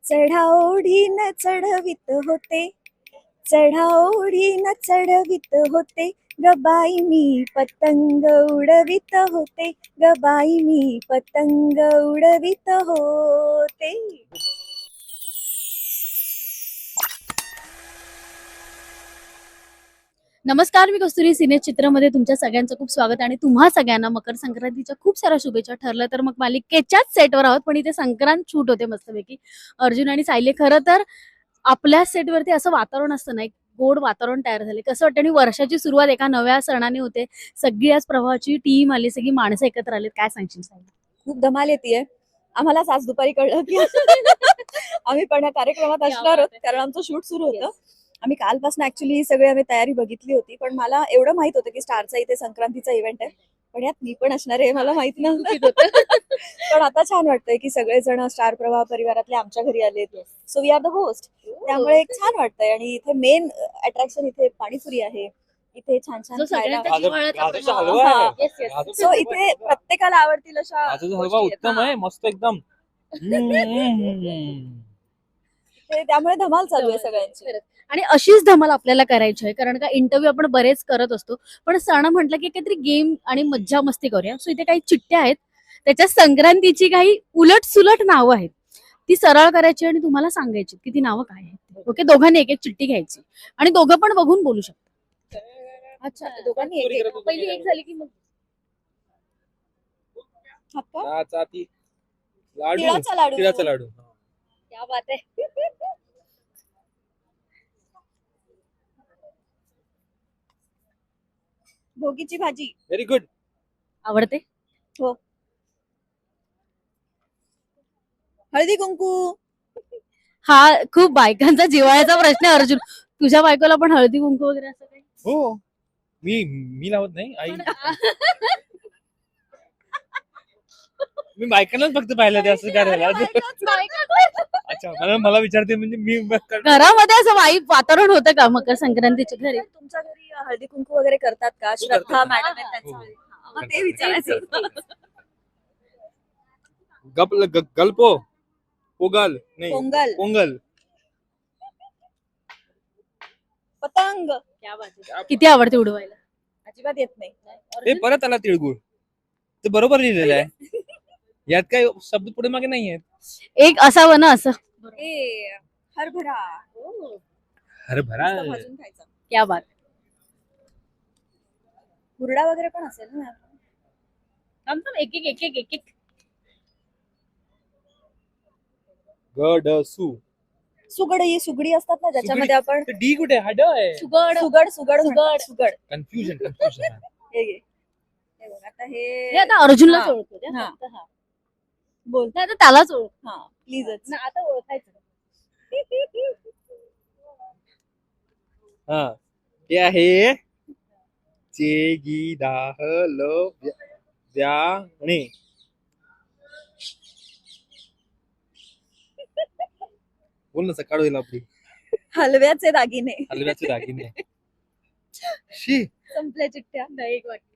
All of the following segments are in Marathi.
चढाओढीन चढवित होते, चढाओढीन चढवित होते, गबाई मी पतंग उडवित होते, गबाई मी पतंग उडवित होते. नमस्कार, मी कस्तुरी सिने चित्रमध्ये तुमच्या सगळ्यांचं खूप स्वागत आणि तुम्हा सगळ्यांना मकर संक्रांतीच्या खूप साऱ्या शुभेच्छा. ठरलं तर मग मालिकेच्याच सेटवर आहोत, पण इथे संक्रांत शूट होते मस्तपैकी. अर्जुन आणि सायली, खरं तर आपल्या सेटवरती असं वातावरण असतं ना, एक गोड वातावरण तयार झाले. कसं वाटतं आणि वर्षाची सुरुवात एका नव्या सणाने होते. सगळी आज प्रवाहाची टीम आली, सगळी माणसं एकत्र आलीत. काय सांगशील सायली? खूप धमाल येते. आम्हालाच आज दुपारी कळलं की आम्ही पण या कार्यक्रमात असणार आहोत, कारण आमचं शूट सुरू होतं. आम्ही कालपासून ऍक्च्युली ही सगळी आम्ही तयारी बघितली होती, पण मला एवढं माहित होतं की स्टारचा इथे संक्रांतीचा इव्हेंट आहे, पण यात मी पण असणार आहे हे मला माहित नव्हतं. पण आता छान वाटतंय की सगळेजण स्टार प्रवाह परिवारातले आमच्या घरी आलेत. So we are the host, त्यामुळे एक छान वाटतंय. आणि इथे मेन अट्रॅक्शन इथे पाणीपुरी आहे. इथे छान छान जो खायला. सगळ्यांचा जिव्हाळ्याचा गाजराचा प्रवाह. हलवा आहे. Yes, yes. सो इथे प्रत्येकाला आवडतील अशा गाजराचा हलवा गोष्टी आहेत. उत्तम आहे, मस्त एकदम. त्यामुळे धमाल चालू आहे सगळ्यांची. खरंच. आणि अशीच धमाल आपल्याला करायची आहे, कारण का इंटरव्ह्यू आपण बरेच करत असतो, पण सण म्हटलं की काहीतरी गेम आणि मज्जा मस्ती करूया. सो इथे काही चिठ्ठ्या आहेत, त्याच्या संक्रांतीची काही उलट सुलट नावं आहेत, ती सरळ करायची आणि तुम्हाला सांगायची की ती नावं काय आहेत. ओके, दोघांनी एक एक चिठ्ठी घ्यायची आणि दोघं पण बघून बोलू शकता. अच्छा, दोघांनी एक एक. पहिली एक झाली की मग हात लाडू, तिळाचा लाडू. तिळाचा लाडू. क्या बात आहे. भोगीची भाजी व्हेरी गुड. आवडते. हळदी कुंकू. हा खूप बायकांचा जिव्हाळ्याचा प्रश्न आहे अर्जुन. तुझ्या बायकोला पण हळदी कुंकू वगैरे असं काही? हो, मी लावत नाही, आई. मी बायकांनाच फक्त पाहिलं ते असं करायला. अच्छा, मला विचारते म्हणजे मी घरामध्ये असं वाईट वातावरण होतं का मकर संक्रांतीच्या घरी? तुमच्या घरी हळदी कुंकू वगैरे करतात का? श्रद्धा करतात. मॅडम आहेत त्यांच्या हो. घरी. हा, मग ते विचारायचं होतं. गल्पो पोगल नाही, पोंगल, पोंगल. पतंग किती आवडते उडवायला? अजिबात येत नाही. ते परत आला तिळगुळ, ते बरोबर लिहिलेलं आहे. यात काही शब्द पुढे मागे नाही आहेत. एक असावं ना असं. ए, हरभरा हरभरा. मस्त भाजून खायचा. क्या बात. हुरडा वगैरे पण असेल ना? एक एक एक एक एक एक. गडसू. सुगडी असतात ना, ज्याच्यामध्ये आपण डी कुठे हड आहे. सुगड सुगड सुगड. सुगड. कन्फ्युजन. हे घे. हे बघ, आता हे हे आता अर्जुनलाच हा. ओळखतो त्या. हा. फक्त हा. बोल. नाही आता त्यालाच ओळख. हा, प्लीजच. ना आता ओळखायचं. हा, ते आहे व्याने. बोल ना, सकाळ होईल आपली. हलव्याचे दागिने. हलव्याचे दागिने. शी. संपल्या चिठ्ठ्या. नाही, एक वाक्य.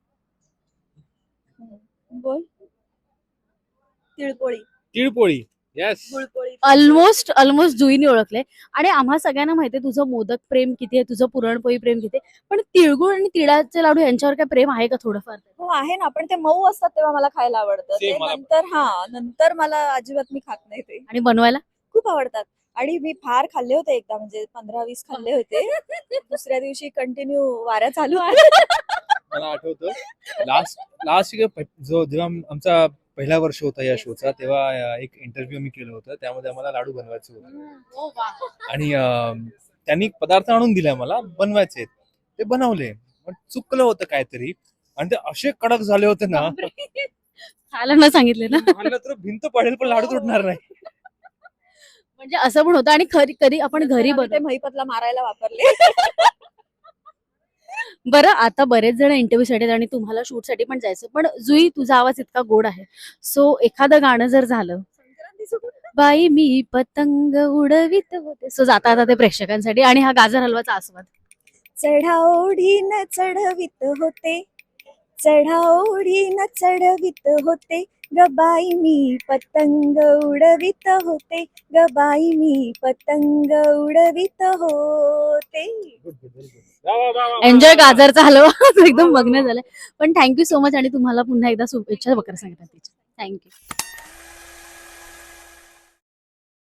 बोल. तिळपोळी. तिळपोळी. येस. गुळपोळी. ऑलमोस्ट जुईने ओळखले. आणि आम्हा सगळ्यांना माहितीये तुझं मोदक प्रेम किती आहे, तुझं पुरणपोळी प्रेम किती आहे, पण तिळगुळ आणि तिळाचे लाडू यांच्यावर काय प्रेम आहे का थोडंफार? हो आहे ना, पण ते मऊ असतात तेव्हा मला खायला आवडतं. ते Same मला पण. नंतर मला अजिबात मी खात नाही ते. आणि बनवायला खूप आवडतात. आणि मी फार खाल्ले होते एकदा, म्हणजे 15-20 खाल्ले होते. दुसऱ्या दिवशी कंटिन्यू वाऱ्या चालू आहे. मला आठवतं लास्ट जेव्हा आमचा पहिला वर्ष होता या शोचा, तेव्हा एक इंटरव्ह्यू मी केलं होतं, त्यामध्ये आम्हाला लाडू बनवायचे होते. आणि त्यांनी पदार्थ आणून दिले मला बनवायचे, ते बनवले, पण चुकलं होतं काहीतरी आणि ते असे कडक झाले होते ना, खायला न सांगितले ना. खाल्लं तर भिंत पडेल पण लाडू तुटणार नाही. म्हणजे असं पण होतं. आणि कधी आपण घरी आम्ही ते बनवतो. महिपतला मारायला वापरले. बरं, आता बरेच जण इंटरव्ह्यू साठी आणि तुम्हाला शूट साठी पण जायचं, पण जुई तुझा आवाज इतका गोड आहे, सो एखादं गाणं जर झालं, बाई मी पतंग उडवित होते, सो जाता ते प्रेक्षकांसाठी आणि हा गाजर हलवाचा आस्वाद. चढाओढीन चढवित होते, चढाओढीन चढवित होते, गबाई मी पतंग उडवित होते, गबाई मी पतंग उडवित होते. एन्जॉय गाजरचा हलवा एकदम बघणं झालं. पण थँक्यू सो मच आणि तुम्हाला पुन्हा एकदा शुभेच्छा मकर संक्रांतीच्या. थँक्यू.